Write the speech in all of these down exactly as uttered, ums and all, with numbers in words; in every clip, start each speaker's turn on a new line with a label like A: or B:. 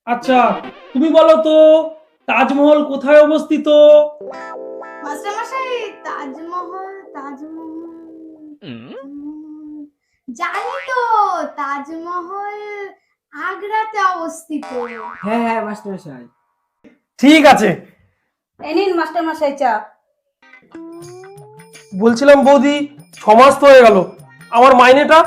A: আচ্ছা, তুমি বলো তো তাজমহল কোথায় অবস্থিত?
B: মাস্টারমশাই, তাজমহল তাজমহল উম, জানি তো। তাজমহল আগ্রাতে অবস্থিত।
C: হ্যাঁ হ্যাঁ মাস্টারমশাই।
A: ঠিক আছে।
D: এই নিন মাস্টারমশাই চা।
A: বলছিলাম বৌদি, ছ মাস তো হয়ে গেল, আমার মাইনেটা?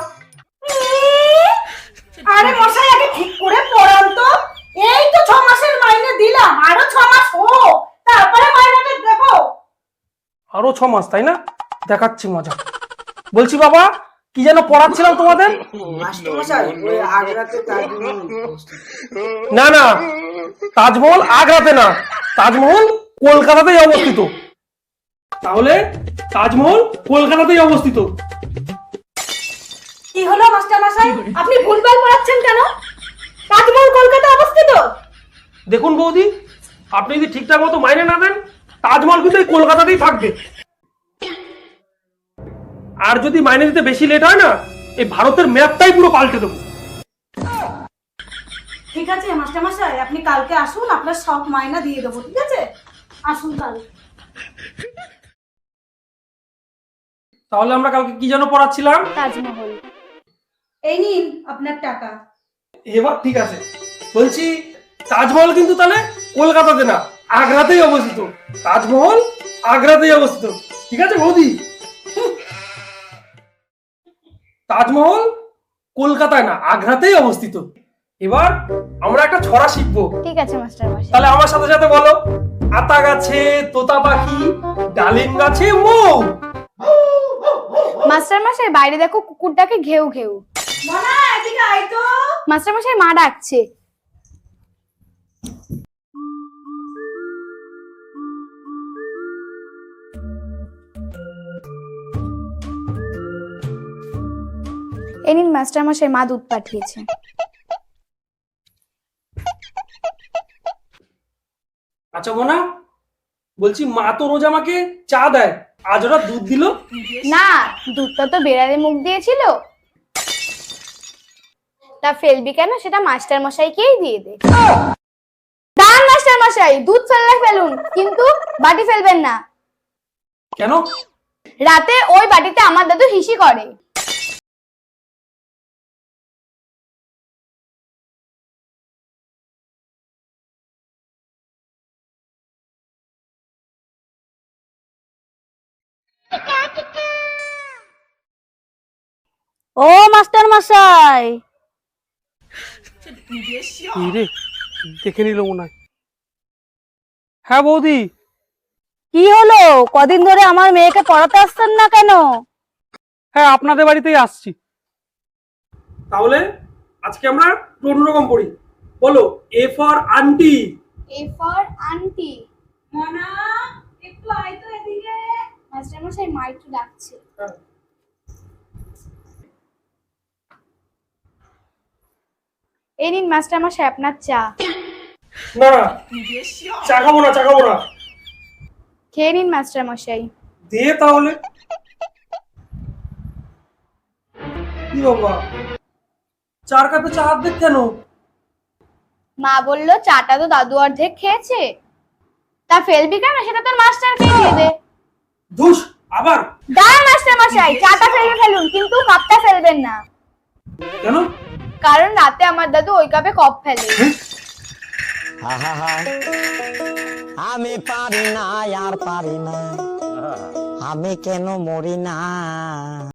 D: আরে মশাই, আগে ঠিক করে পড়ান তো। এই তো ছ মাসের মাইনে দিলাম, আরো ছ মাস হোক, তারপরে মাইনেটা দেবো।
A: আরো ছ মাস, তাই না? দেখাচ্ছি মজা। বলছি বাবা, কি যেন পড়াচ্ছিলাম তোমাদের?
C: মাস্টারমশাই ওই আগ্রাতে তাজমহল অবস্থিত।
A: না না, তাজমহল আগ্রাতে না, তাজমহল কলকাতাতেই অবস্থিত। তাহলে তাজমহল কলকাতাতেই অবস্থিত।
D: কি হলো মাস্টারমশাই, আপনি ভুলভাল পড়াচ্ছেন কেন? তাজমহল কলকাতা অবস্থিত।
A: দেখুন বৌদি, আপনি যদি ঠিকঠাক মতো মাইনে না দেন, তাজমহল কিন্তু এই কলকাতাতেই থাকবে। আর যদি মাইনে দিতে বেশি লেট হয় না, এই ভারতের ম্যাপটাই পুরো পাল্টে দেবো।
D: ঠিক আছে মাস্টারমশাই, আপনি কালকে আসুন, আপনার সব মাইনা দিয়ে দেবো। ঠিক আছে, আসুন কাল।
A: তাহলে আমরা কালকে কি যেন পড়াচ্ছিলাম?
B: তাজমহল।
D: এই নিন আপনার টাকা।
A: এবার ঠিক আছে। বলছি তাজমহল কিন্তু তাহলে কলকাতাতে না, আগ্রাতেই অবস্থিত। তাজমহল আগ্রাতেই অবস্থিত, ঠিক আছে বৌদি? তাজমহল কলকাতায় না, আগ্রাতেই অবস্থিত। এবার আমরা একটা ছড়া শিখবো।
B: ঠিক আছে মাস্টারমশাই।
A: তাহলে আমার সাথে সাথে বলো। আতা গাছে তোতা পাখি, ডালিম গাছে মৌ।
B: মাস্টারমশাই, বাইরে দেখো কুকুরটাকে ঘেউ ঘেউ।
D: মনা, এদিকে আয় তো।
B: মাস্টারমশাই, মা ডাকছে। এই নিন মাস্টারমশাই, মা দুধ পাঠিয়েছে।
A: আচ্ছা মোনা, বলছি মা তো রোজ আমাকে চা দেয়, আজ ওরা দুধ দিল?
B: না, দুধটা তো বেড়ালে মুখ দিয়েছিল। তা ফেলবি কেন, সেটা মাস্টার মশাইকেই দিয়ে দে। দাঁড়ান মাস্টার মশাই, দুধ ফেললে ফেলুন, কিন্তু বাটি ফেলবেন না।
A: কেন?
B: রাতে ওই বাটিতে আমার দাদু হিসি করে।
D: ও মাস্টার মশাই,
A: রে, দেখে নিল মনে হয়। হ্যাঁ বৌদি।
D: কি হলো? কদিন ধরে আমার মেয়েকে পড়াতে আসছেন না কেন?
A: হ্যাঁ, আপনাদের বাড়িতেই আসছি। তাহলে আজকে আমরা অন্যরকম পড়ি। বলো, A for aunty.
B: A for aunty.
D: মনা, একটু আয় তো এদিকে।
B: মাস্টার মশাই, মা একটু ডাকছে। এই নিন মাস্টার মশাই আপনার চা।
A: না না, চা খাবো না, চা খাবো না।
B: খেয়ে নিন মাস্টার মশাই।
A: দে তাহলে। কি বাবা, চার কাপে চা অর্ধেক কেন?
B: মা বললো চাটা তো দাদু অর্ধেক খেয়েছে, তা ফেলবি কেন, সেটা তোর মাস্টারকে দিয়ে দে।
A: ধুস, আবার?
B: দাঁড়ান মাস্টার মশাই, চাটা ফেলে ফেলুন, কিন্তু কাপটা ফেলবেন না।
A: কেন?
B: কারণ রাতে আমার দাদু ওই কাপে কপ ফেলে।
E: আমি পারি না আর পারি না, আমি কেন মরি না।